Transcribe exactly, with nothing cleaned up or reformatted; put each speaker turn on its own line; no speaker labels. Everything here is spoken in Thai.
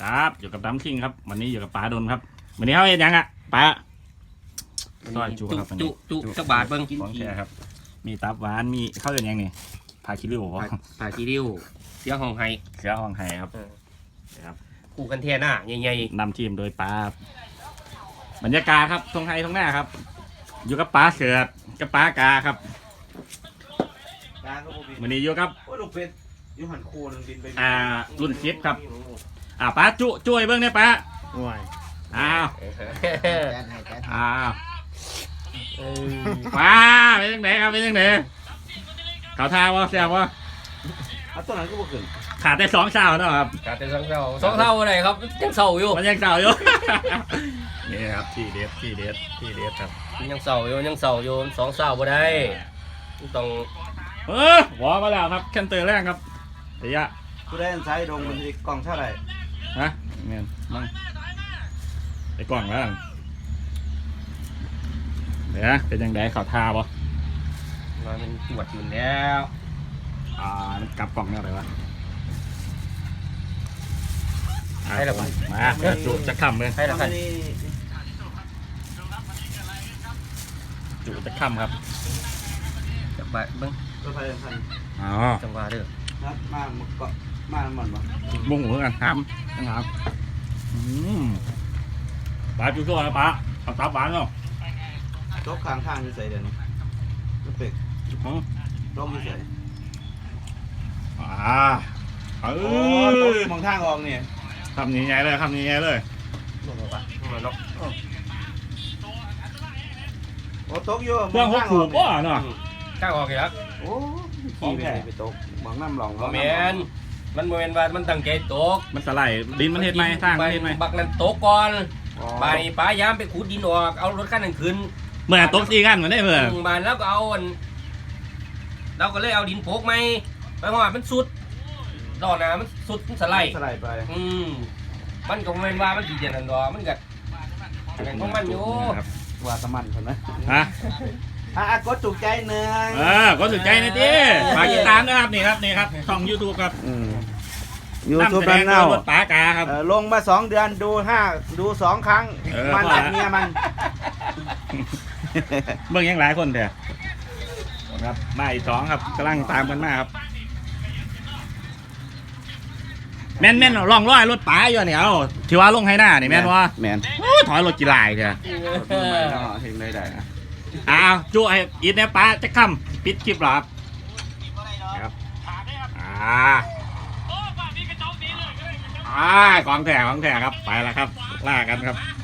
ครับอยู่กับดัมคิงครับวันนี้อยู่กับป๋าดนครับวันนี้เขาเห็นยังอ่ะป๋าซอยจุครับ
จุจุจักบาทเบิ้ง
ของแท้ครับมีตับหวานมีข้าวเดือนยังนี่พาคิริวบ่
ผ่าคีริ้วเสียห้องไห้
เสือห้องไห้ครับครับ
คู่กันแท่หน้าใหญ่
นำทีมโดยป๋าบรรยากาศครับทงไทยทงหน้าครับ อยู่กับป๋าเสือกับป๋ากาครับวันนี้อยู่กับ
โอ้ลูกเป็ดยูหันโคนึงบินไป
อ่ารุ่นซิปครับอ่าป๋าจุจุ้ยเบิ้งเนี่ยป๋า
ห่วย
อ้าว
แจนให้แจนให้
อ้าว
ๆเออ
ว้าเป็นยังไงครับเป็นยังไงเขาท่าวะแซววะ
เอาตัวนั้นก็บ่ขึ้น
ขาดได้สองเช้าเนาะครับ
ขาดแต่สองเท่าสองเท่าอะไรครับยังเศร้าอยู่
มันยังเช้าอยู่ นี่ครับที่เด็ดที่เด็ดที่เด็ดครับ
ยังเศร้าอยู่ยังเศร้าอยู่สองเศร้าบ่ได้ต้อง
เออหวอมาแล้วครับแคนเตอร์แรกครับระยะ
กูได้อันซ้ายดงมันสิกล่องเท่าไหร่
ฮะเงี้ยมั่งไอ้กล่องแล้วเดี๋ยวนะเป็นยังไงเขาท่าปะ
มาเป็นตรวจอยู่แล้ว
อ่ามันกลับกล่องเนี่ยอะไรวะ
ให้ละพัน
มาจุจะค่ำเลย
ให้ละพัน
นี่
จุจะค่ำครับ
จักบาทเบิ้ง
รถไฟทัน
อ๋อ
จังหวะเด้อ
นัดมาหมดเกาะมาหมดบ่
บุ้งหัวกันทำนะครับอืมปลาจุโซ่นะปลาเอาตับหวานเนาะ
ตกข้างทางอยู่ใส่เดี๋ยวนี้ลูกเป็ด
อืม
ตกอยู่ใส่
อ่าเอ
โอ้ตก
อ
มองทางออกนี่
คำนี้ไงเลยคำนี้ไงเลย
ลงมาปะลงมาเนาะ
โอ้ตกอยู่
เครื่องหกถูกป่ะเนาะ
ข้างออกอีกแล้ว
โอ้ขี่ไปไหนไปตกมองน้ำหลอง
บ่แม่นมันบ่แม่นว่ามันตั้งใจตก
มันสไลด์ดินมันเห็ดไหมสร้างมันเห็ดไหม
บักนั้นตกก่อนบายป้ายามไปขุดดินออกเอารถคันนั้นขึ้น
เมื่อตกสี่กันเหมือนได้เมื่อ
มบานแล้วก็เอาอันเราก็เลยเอาดินโปกไหมไปหอดมันสุดดอกนามันสุดมันสไลด์
สไลด์ไป
อืมมันก็บ่แม่นว่ามันสิเจนันดอกมันก็อันนั้นของมันอยู่
ครับ
ว่าสมันคนนะ
ฮะ
อ่ะกดถูกใจหนึ่ง
เออก็สนใจนะจีฝากติดตามนะครับนี่ครับนี่ครับช่องยูทูบครับ
ยูทูบ
แส
แบ
ด
น
ง
เน่า
รถป๋ากาครับ
เอ่อลงมาสองเดือนดูห้าดูสองครั้ง
เออ
มัน
พอ
ดั
ละ
กเมียมัน
เบิ่งยังหลายคนเถอะครับมาอีกสองครับกำลังตามกันมาครับแม่นแม่นลองร้อยรถป๋าอยู่เนี่ยเอาที่ว่าลงให้หน้านี่แม่นว่า
แมน
โอ้ยถอยรถกีฬาอีกเถอะ
เห็นได้ได้นะ
อ้าวจุไอ้อีทเนี่ยป๋าจะค่ำปิดคลิปเหรอครับครับอ่าอ่าของแถของแถครับไปแล้วครับล่ากันครับ